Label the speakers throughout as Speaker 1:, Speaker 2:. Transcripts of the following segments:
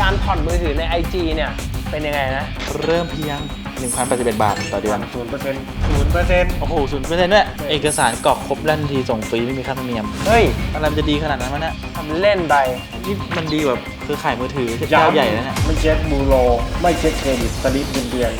Speaker 1: การผ่อนมือถือใน IG เนี่ยเป็นยังไงนะ
Speaker 2: เริ่มเพียง 1,081 บาทต่อเดือน
Speaker 3: 0%
Speaker 2: โอ้โห 0% ด้วยเอกสารกรอกครบแล้วทันทีส่งฟรีไม่มีค่าธรรมเนียม
Speaker 1: เฮ้ย
Speaker 2: อะไรมันจะดีขนาดนั้นวะเนี่ย
Speaker 1: ทำเล่นไป
Speaker 2: นี่มันดีแบบคือขายมือถือเจ้าใหญ่แล้วเนี่ย
Speaker 3: ไม่เช็คบูโรไม่เช็คเครดิตสลิปเงินเดือน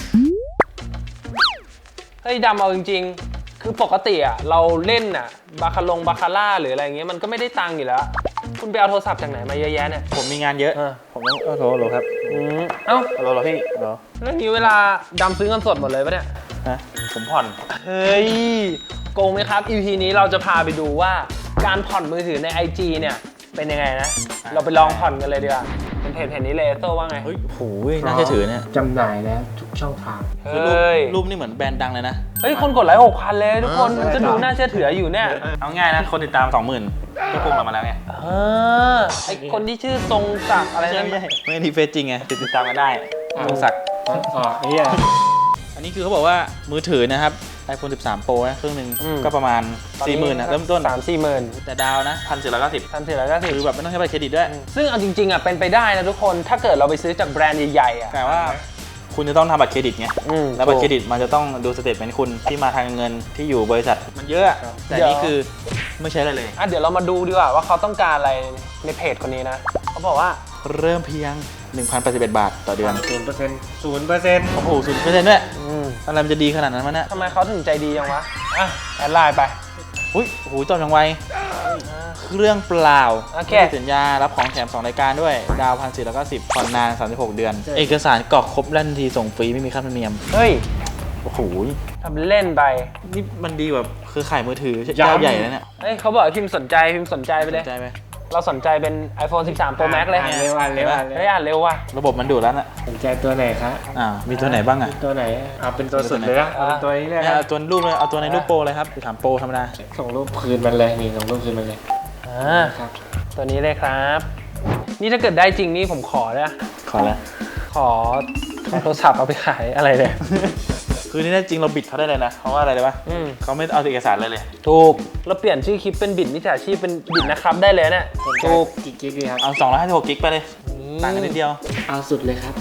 Speaker 1: เฮ้ยดำเอาจริงๆคือปกติอ่ะเราเล่นอ่ะบาคาร่าหรืออะไรเงี้ยมันก็ไม่ได้ตังค์อยู่แล้วคุณไปเอาโทรศัพท์จากไหนมาเยอะแยะเนี่ย
Speaker 2: ผมมีงานเยอะ ผมต้องโทรครับ
Speaker 1: เอ้า
Speaker 2: โทรพี่โทร
Speaker 1: เรื่องนี้เวลาดำซื้อเงินสดหมดเลยปะเนี่ย
Speaker 2: นะผมผ่อน
Speaker 1: เฮ้ยโกงไหมครับ EP นี้เราจะพาไปดูว่าการผ่อนมือถือใน IG เนี่ยเป็นยังไงนะเราไปลองผ่อนกันเลยดีกว่าเป็นเพจนี้เลยโซ่ว่าไง
Speaker 2: เฮ้ยโหน่าเชื่อถือเนี่ย
Speaker 3: จำหน่ายแล้วทุกช่องทาง
Speaker 2: คือ
Speaker 1: เฮ้ย
Speaker 2: รูปนี่เหมือนแบรนด์ดังเลยนะ
Speaker 1: เฮ้ยคนกดไลค์6,000เลยทุกคนมันก็ดูน่าเชื่อถืออยู่เนี่ย
Speaker 2: เอาง่ายนะ คนติดตาม 20,000ก็พุ่งเรามาแล้วไง
Speaker 1: ไอคนที่ชื่อทรงศักดิ์อะไร
Speaker 2: ไม่
Speaker 1: นั่น
Speaker 2: ใช่ไม่ใช่ทีเฟซจริงไงติดตามกันได้ตรงศักดิ์
Speaker 3: ไอ้เหี้ย
Speaker 2: อันนี้คือเขาบอกว่ามือถือนะครับ iPhone 13 Pro นะเครื่องหนึงก็ประมาณ 40,000นะเริ่มต้น
Speaker 1: 3-4
Speaker 2: แต่ดาวนะ 1,490
Speaker 1: 1,490
Speaker 2: คือแบบไม่ต้องใช้บัตรเครดิตด้วย
Speaker 1: ซึ่งเอาจริงๆอ่ะเป็นไปได้นะทุกคนถ้าเกิดเราไปซื้อจากแบรนด์ใหญ่ๆอ่ะ
Speaker 2: แต่ว่าคุณจะต้องทำบัตรเครดิตไง แล้วบัตรเคร
Speaker 1: ถูก
Speaker 2: ดิตมันจะต้องดูสเตทเมนต์คุณที่มาทางเงินที่อยู่บริษัทมันเยอะ แต่
Speaker 1: เดี๋ยว
Speaker 2: นี่คือไม่ใช้อะไรเลย
Speaker 1: อ่ะเดี๋ยวเรามาดูดีกว่าว่าเขาต้องการอะไรในเพจคนนี้นะเขาบอกว่า
Speaker 2: เริ่มเพียง 1,081 บาทต่อเดือน
Speaker 3: 0%
Speaker 2: โอ้โห 0% ด้วย
Speaker 1: อืม
Speaker 2: อะไรมันจะดีขนาดนั้นวะเนี่ย
Speaker 1: ทำไมเขาถึงใจดีจังวะอ่ะแอดไลน์ไป
Speaker 2: อุ้ยโอ้โหจบยังไวเครื่องเปล่า
Speaker 1: โอเค
Speaker 2: ไม่มีสัญญารับของแถม 2 รายการด้วย ดาว 1,490ผ่อนนาน 36 เดือน เอกสารกรอกครบแล้วทันทีส่งฟรีไม่มีค่าธรรมเนียม
Speaker 1: เฮ้ย
Speaker 2: โอ้โห
Speaker 1: ทำเล่นไป
Speaker 2: นี่มันดีแบบคือขายมือถือเจ้าใหญ่แล้วเนี่ย
Speaker 1: เฮ้ยเขาบอกให้พิมพ์สนใจไปเลย
Speaker 2: สนใจไหม
Speaker 1: เราสนใจเป็น iPhone 13 Pro Max เลย
Speaker 3: อ่านเร็วอ่านเร็วอ่านเร็ว
Speaker 1: เฮ้ยอ่านเร็วว่ะ
Speaker 2: ระบบมันดูดแล้วน่ะ
Speaker 3: สนใจตัวไหนคะ
Speaker 2: มีตัวไหนบ้างอ่ะ
Speaker 3: ตัวไหนเอาเป็นตัวสุดเลยนะเอาเป็นตัวนี้เลย
Speaker 2: เอาตัวรูปเลยเอาตัวในรูปโปรเลยครับ13 โปรธรรมดา
Speaker 3: ส่งรูปคืนมันเลยนี่ส่งรูปคืนมันเลย ครับ
Speaker 1: ตัวนี้เลยครับ นี่ถ้าเกิดได้จริงนี่ผมขอนะ
Speaker 2: ขอแล้ว
Speaker 1: ขอโทรศัพท์เอาไปขายอะไรเลย
Speaker 2: คือนี่แน่จริงเราบิดเขาได้เลยนะ เพราะว่าอะไรเลยปะเขาไม่เอาเอกสารเลย
Speaker 1: ถูกเราเปลี่ยนชื่อคลิปเป็นบิดมิจฉาชีพเป็นบิดนะครับได้เลยเนี่ย
Speaker 3: สนใจ
Speaker 1: ถูก
Speaker 3: กี่กิกดีครับ
Speaker 2: เอา256กิกไปเลย ต่างกันนิดเดียว
Speaker 3: เอาสุดเลยครับ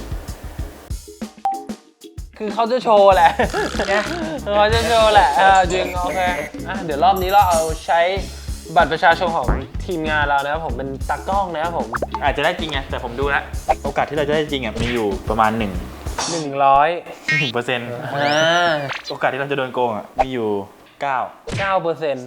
Speaker 1: คือเขาจะโชว์แหละ เขาจะโชว์แหละจริงโอเคอ่ะเดี๋ยวรอบนี้เราเอาใช้บัตรประชาชนของทีมงานเรานะครับผมเป็นตากล้องนะครับผม
Speaker 2: อาจจะได้จริงไงแต่ผมดูแล้วโอกาสที่เราจะได้จริงมีอยู่ประมาณ1%
Speaker 1: 100
Speaker 2: โอกาสที่เราจะโดนโกงมีอยู่9
Speaker 1: 9%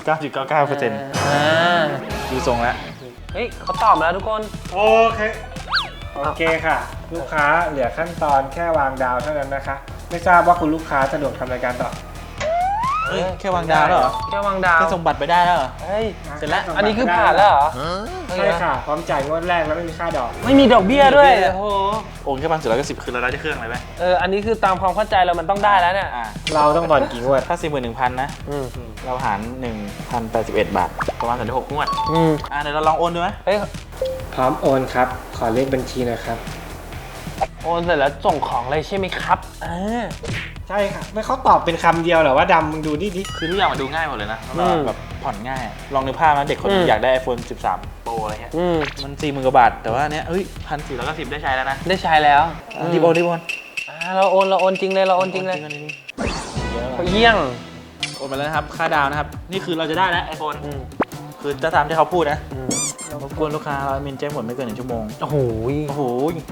Speaker 2: 99.99% ดูทรงแล้ว
Speaker 1: เฮ้ยเขาตอบมาแล้วทุกคน
Speaker 3: โอเค โอเคค่ะ ลูกค้าเหลือขั้นตอนแค่วางดาวเท่านั้นนะคะ ไม่ทราบว่าคุณลูกค้าสะดวกทำรายการต่อ
Speaker 2: เฮ้ยแค่วางดาวแล้วเหรอ
Speaker 1: แค่วางดาว
Speaker 2: แค่ส่งบัตรไปได้แล้วเหรอ
Speaker 1: เฮ้ย
Speaker 2: เสร็จแล้ว
Speaker 1: อันนี้คือผ่านแล้วเหรอ
Speaker 3: ใช่ค่ะ พร้อมจ่ายงวดแรกแล้วไม่มีค่าดอก
Speaker 1: ไม่มีดอกเบี้ยด้วยโอ้โห
Speaker 2: โอนแค่1,490คือเราได้แค่เครื่องเลยไหม
Speaker 1: อันนี้คือตามความเข้าใจเรามันต้องได้แล้วเนี่ย
Speaker 3: เราต้องผ่อนกี่งวด
Speaker 2: ถ้า 41,000 นะ เราหาร 1,081 บาท ประมาณ36งวด เดี๋ยวเราลองโอนดูไหม
Speaker 1: เฮ้ย
Speaker 3: พร้อมโอนครับ ขอเลขบัญชีหนะครับ
Speaker 1: โอนเสร็จแล้วส่งของเลยใช่ไหมครับ
Speaker 3: ใช่ค่ะ ไม่เขาตอบเป็นคำเดียวเหรอว่าดำมึงดูนี่ดิ
Speaker 2: คือทุกอย่างมันดูง่ายหมดเลยนะแล้วแบบผ่อนง่าย ลองนึกภาพนะเด็กคนนึงอยากได้ iPhone 13 Pro อะไรเงี้ย มัน 40,000 กว่าบาท แต่ว่าเนี้ย1,490ได้ใช้แล้วนะ
Speaker 1: ได้ใช้แล้ว
Speaker 2: รีบโอน
Speaker 1: เราโอนจริงเลยเราโอนจริงเลยเขาเยี่ยง
Speaker 2: โอนไปแล้วนะครับ ค่าดาวนะครับ นี่คือเราจะได้แล้ว iPhone คือจะตามที่เขาพูดนะรบกวนลูกค้าเรามินแจ้งผลไม่เกิน1 ชั่วโมง
Speaker 1: โอ้โห
Speaker 2: โอ้โห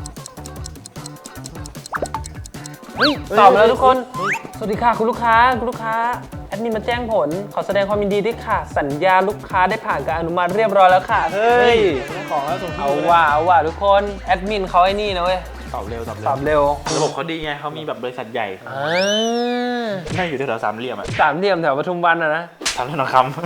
Speaker 1: เฮ้ยตอบมาแล้วทุกคน สวัสดีค่ะคุณลูกค้าแอดมินมาแจ้งผลขอแสดงความยินดีด้วยค่ะ สัญญาลูกค้าได้ผ่านการอนุมัติเรียบร้อยแล้วค่ะเฮ้ย
Speaker 2: ได้ของแล้วส่งที่
Speaker 1: เอาว่ะทุกคนแอดมินเขาไอ้นี่นะเว้ย
Speaker 2: ตอบเร็ว
Speaker 1: ตอบเร็ว
Speaker 2: ระบบเขาดีไงเขามีแบบบริษัทใหญ่ไม่อยู่แถวๆสามเหลี่ยมอะ
Speaker 1: สามเหลี่ยมแถวปทุมวันนะ
Speaker 2: สามเหลี่ยมทองคำ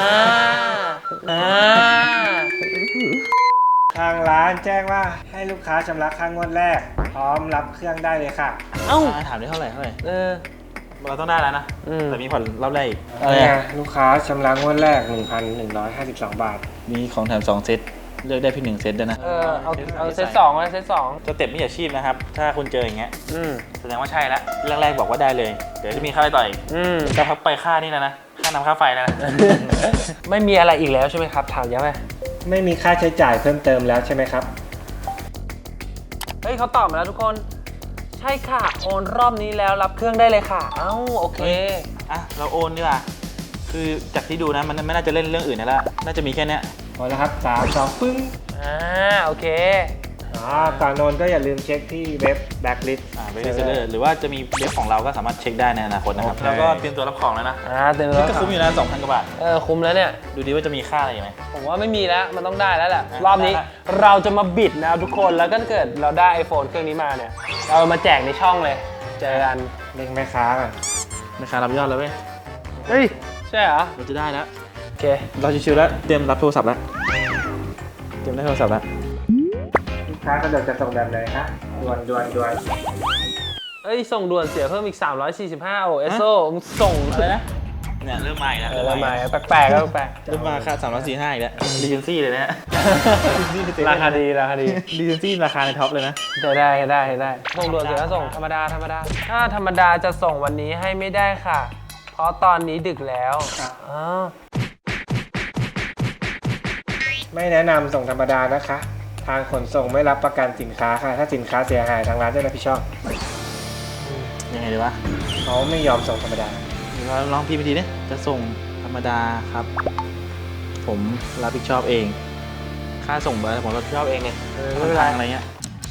Speaker 3: ทางร้านแจ้งว่าให้ลูกค้าชำระค่างวดแรก พร้อมรับเครื่องได้เลยค่ะ
Speaker 1: เอ้า
Speaker 2: ถามได้เท่าไหร่
Speaker 1: เรา
Speaker 2: เราต้องได้แล้วนะ แต่มีผ่อนรอบแรกอีก
Speaker 3: เนี่ยลูกค้าชำระงวดแรก 1,152 บาท
Speaker 2: มีของแถม2 เซต เลือกได้เพียง1 เซตด้วยนะ
Speaker 1: เอาเซตสองเลยเซตสอง
Speaker 2: สเต็ปมิจฉาชีพนะครับ ถ้าคุณเจออย่างเงี้ยแสดงว่าใช่แล้วแรกๆบอกว่าได้เลย เดี๋ยวจะมีค่าอะไรต่ออีกจะพักไปค่านี่นะ ค่าน้ำค่าไฟนะ
Speaker 1: ไม่มีอะไรอีกแล้วใช่ไหมครับถามย้ำไหม
Speaker 3: ไม่มีค่าใช้จ่ายเพิ่มเติมแล้วใช่ไหมครับ
Speaker 1: เฮ้ยเขาตอบมาแล้วทุกคน ใช่ค่ะโอนรอบนี้แล้วรับเครื่องได้เลยค่ะ เอ้าโอเค
Speaker 2: อ่ะเราโอนดีกว่าคือจากที่ดูนะมันไม่น่าจะเล่นเรื่องอื่นแล้วน่าจะมีแค่เนี้ย
Speaker 3: พอแล้วครับ3 2ปึ้ง
Speaker 1: โอเค
Speaker 3: ก่อนโอนก็อย่าลืมเช็คที่เว็บ Blacklist
Speaker 2: เว็บเซอร์หรือว่าจะมีเว็บของเราก็สามารถเช็คได้ในอนาคตนะครับ
Speaker 3: โอเค
Speaker 2: แล้วก็เตรียมตัวรับของแล้วนะ
Speaker 1: เต็ม
Speaker 2: นี่
Speaker 1: แล้ว
Speaker 2: ก็คุ้มอยู่นะ 2,000 กว่าบาท
Speaker 1: คุ้มแล้วเนี่ย
Speaker 2: ดูดีว่าจะมีค่าอะไรไหม
Speaker 1: ผมว่าไม่มีแล้ว มันต้องได้แล้วแหละ
Speaker 2: อ่ะ
Speaker 1: รอบนี้
Speaker 2: ได้ละ
Speaker 1: เราจะมาบิดนะทุกคน แล้วก็เกิดเราได้ iPhone เครื่องนี้มาเนี่ย เรามาแจกในช่องเลย เจอกัน
Speaker 3: เล็งแม่ค้าก่อน
Speaker 2: ราคารับยอดแล้วเว้ย
Speaker 1: เฮ้ย ใช่เหรอ
Speaker 2: เราจะได้แล้ว
Speaker 1: โอเค
Speaker 2: เราชิวๆแล้วเตรียมรับโทรศัพท์แล้วเตรียมได้โทรศัพท์แล้ว
Speaker 3: ลูกค้าสะดวกจะส่งแบบไหนคะด่วนด่วนด่วน
Speaker 1: เอ้ย ส่งด่วนเสียเพิ่มอีก 345 โอ้เอสโซมึงส่ง
Speaker 2: อะไรนะเนี่ยเริ่มมาอีกแล้ว
Speaker 1: อะไรมาแปลกๆก็แปลก
Speaker 2: เริ่มมาค่า345อีกแล้วรีเจนซี่เลยนะ
Speaker 1: ๆราคาดี ราคาดี
Speaker 2: รีเจนซี่ราคาในท็อปเลยนะ
Speaker 1: ได้ส่งด่วนเสียแล้วส่งธรรมดาถ้าธรรมดาจะส่งวันนี้ให้ไม่ได้ค่ะ เพราะตอนนี้ดึกแล้วอ๋อ
Speaker 3: ไม่แนะนำส่งธรรมดานะคะ ทางขนส่งไม่รับประกันสินค้าค่ะ ถ้าสินค้าเสียหายทางร้านจะรับผิดชอบ
Speaker 2: ยังไงดีวะ
Speaker 3: เขาไม่ยอมส่งธรรมดา
Speaker 2: เดี๋ยวเราลองพิมพ์ไปทีนี้จะส่งธรรมดาครับ ผมรับผิดชอบเอง ค่าส่งผมรับผิดชอบเองเนี่ย
Speaker 1: ไม่เป็นไร
Speaker 2: ทางอะไรเงี้ย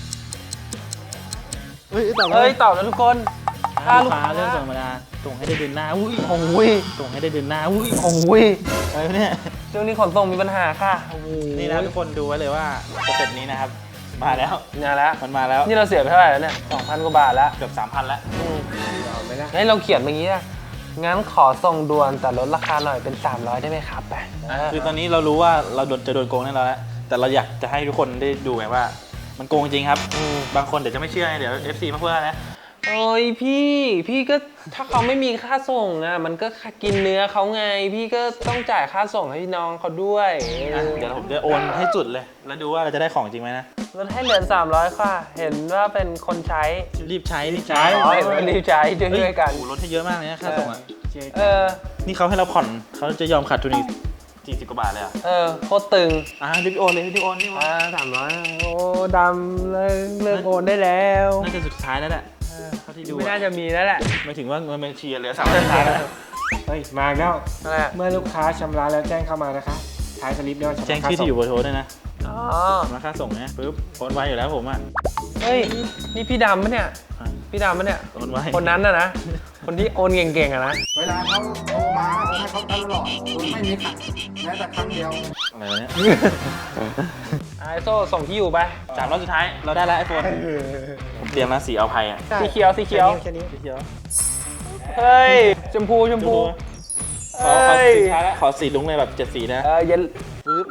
Speaker 2: เฮ้ยตอบ
Speaker 1: เฮ้ย ตอบแล้วทุกคน
Speaker 2: ถ้าลูกค้าเรื่องส่งธรรมดาส่งให้ได้เดือนหน้าอุ้ย
Speaker 1: โอ้ย
Speaker 2: ส่งให้ได้เดือนหน้าอุ้ย
Speaker 1: โอ้ย
Speaker 2: อะไรวะเนี่ย
Speaker 1: ช่วงนี้ขนส่งมีปัญหาค่ะโอ้โห
Speaker 2: นี่นะทุกคนดูไว้เลยว่าสเต็ปนี้นะครับ มาแล้ว
Speaker 1: เนี่ยแล้ว
Speaker 2: มันมาแล้ว
Speaker 1: นี่เราเสียไปเท่าไหร่แล้วเนี่ย 2,000 กว่าบาทแล้ว
Speaker 2: เกือบ 3,000 แล้ว
Speaker 3: เอาไหมล่ะ
Speaker 1: เฮ้ยเราเขียนเมื่อกี้อะงั้นขอส่งด่วนแต่ลดราคาหน่อยเป็น 300 ได้ไหมครับไป
Speaker 2: คือตอนนี้เรารู้ว่าเราจะโดนโกงแน่นอนแล้วแต่เราอยากจะให้ทุกคนได้ดูไงว่า มันโกงจริงครับ บางคนเดี๋ยวจะไม่เชื่อไงเดี๋ยว FC มาพูดนะ
Speaker 1: โอ้ยพี่ก็ถ้าเขาไม่มีค่าส่งอะมันก็กินเนื้อเขาไง พี่ก็ต้องจ่ายค่าส่งให้พี่น้องเขาด้วย
Speaker 2: เดี๋ยวผมจะโอนให้จุดเลย แล้วดูว่าเราจะได้ของจริงไหมนะ
Speaker 1: ลดให้เหลือ300ค่ะ เห็นว่าเป็นคนใช้
Speaker 2: รีบใช้
Speaker 1: อ๋อเห็นว่ารีบใช้ด้วยกัน
Speaker 2: โอ้โหลดให้เยอะมากเลยนะค่าส่งอ่ะ นี่เขาให้เราผ่อนเขาจะยอมขาดทุนอีก40 กว่าบาทเลยอ่ะ
Speaker 1: โคตรตึง
Speaker 2: รีบโอนเลยรีบโอนรีบโอน
Speaker 1: 300โอ้ดำเลิกโอนได้แล้ว
Speaker 2: น่าจะสุดท้ายแล้วแหละเท่าที่ดู
Speaker 1: ไม่น่าจะมีแล้วแหละ
Speaker 2: ไม่ถึงว่าเงินบัญชีเหลือ300สุดท้ายแล้ว
Speaker 3: เฮ้ย มาอีกแล้ว
Speaker 1: อะไรอะ
Speaker 3: เมื่อลูกค้าชำระแล้วแจ้งเข้ามานะคะ ท้ายสลิปด้วยว่า
Speaker 2: แจ้งชื่อที่อยู่เบอร์โทรด้วยนะ
Speaker 1: อ๋อ
Speaker 2: มาค่าส่งนะปุ๊บโอนไวอยู่แล้วผมอ่ะ
Speaker 1: เฮ้ย นี่พี่ดำปะเนี่ย พี่ดำปะเนี่ย
Speaker 2: โอนไว
Speaker 1: คนนั้นนะ คนที่โอนเก่งๆอะนะ
Speaker 4: เวลาเขาโทรมาผมให้เขาตลอดคุณไม่มีขัดแม้แต่ครั้งเดียว
Speaker 2: อะไรวะเนี่ย
Speaker 1: ไอโซ่ส่งที่อยู่ไป
Speaker 2: 3รอบสุดท้ายเราได้แล้วไอโฟนผมเตรียมนะสีเอาภัยอ่ะ
Speaker 1: สีเขียว
Speaker 3: แค่นี้
Speaker 2: สีเขียว
Speaker 1: เฮ้ย ชมพู
Speaker 2: ขอสีท้ายแล้วขอสีลุงเลยแบบ7 สีนะ
Speaker 1: เย็น
Speaker 2: ปึ๊บ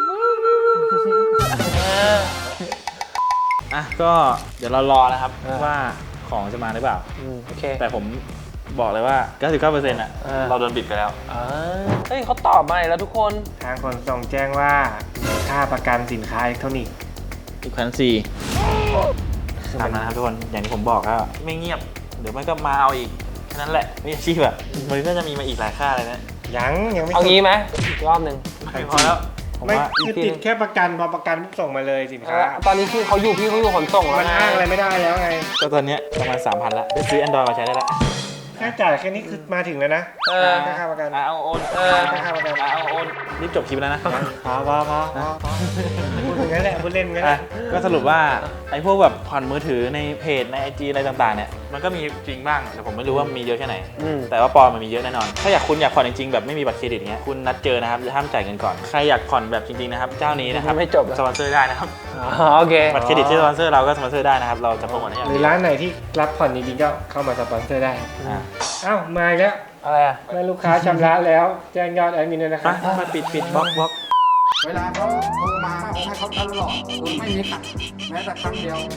Speaker 2: อ่ะก็เดี๋ยวเรารอนะครับว่าของจะมาหรือเปล่า
Speaker 1: โอเค
Speaker 2: แต่ผมบอกเลยว่า 99%อ่ะเราโดนบิดไปแล้ว
Speaker 1: เฮ้ยเขาตอบมาอีกแล้วทุกคน
Speaker 3: ทางขนส่งแจ้งว่าค่าประกันสินค้าอิเล็กทรอนิกส์
Speaker 2: อีก1,400ตามนะครับทุกคนอย่างที่ผมบอกก็ไม่เงียบเดี๋ยวมันก็มาเอาอีกแค่นั้นแหละไม่อาชีพแบบมันน่าจะมีมาอีกหลายค่าเลยนะ
Speaker 3: ยังไม่
Speaker 1: เอางี้ไหมอีกรอบหนึ่ง
Speaker 2: ไม่พอแล้วผม
Speaker 3: ไม่
Speaker 2: ว่า
Speaker 3: คือติดแค่ประกันพอประกันปุ๊บส่งมาเลยสินค้า
Speaker 1: ตอนนี้คือเขาอยู่ขนส่งแล้ว
Speaker 3: มันอ้างอะไรไม่ได้แล้วไง
Speaker 2: ก็ตอนเนี้ยประมาณ 3,000ละได้ซื้อ Android มาใช้ได้ละ
Speaker 3: ค่าจ่ายแค่นี้คือมาถึงแล้วนะค่าประกัน
Speaker 2: เอาโอน
Speaker 3: ค่าประกัน
Speaker 2: เอาโอนรีบจบคลิปแล้วนะ
Speaker 3: พอพูดอย่างนั้นแหละพูดเล่นงั้นแห
Speaker 2: อ่ะ
Speaker 3: ละ
Speaker 2: ก็สรุปว่าไอ้พวกแบบผ่อนมือถือในเพจใน IG อะไรต่างๆเนี่ยมันก็มีจริงบ้างแต่ผมไม่รู้ว่ามีเยอะแค่ไหน แต่ว่าปลอมมันมีเยอะแน่นอน ถ้าคุณอยากผ่อนจริงๆแบบไม่มีบัตรเครดิตเงี้ยคุณนัดเจอนะครับห้ามจ่ายเงินก่อนใครอยากผ่อนแบบจริงๆนะครับเจ้านี้นะครับ
Speaker 1: ไม่จบแล้ว
Speaker 2: สปอนเซอร์ได้นะครับ
Speaker 1: โอเค
Speaker 2: บัตรเครดิตที่สปอนเซอร์เราก็สปอนเซอร์ได้นะครับเราจะโปรโมทให้อย่าง
Speaker 3: หรื
Speaker 2: ดี
Speaker 3: อร้านไหนที่รับผ่อนจริงๆก็เข้ามาสปอนเซอร์ได้
Speaker 2: อ่ะ
Speaker 3: อ้าวมาอีกแล้ว
Speaker 1: อะไรอะ
Speaker 3: เมื่อลูกค้าชำระแล้วแจ้งยอดแอดมินด้วยนะค
Speaker 2: ไป
Speaker 3: รับ
Speaker 2: มาปิดบล็อก
Speaker 4: เวลาเขาโทรมาผมให้เขาตลอดคุณไม่มีขัดแม้แต่ครั้งเดียว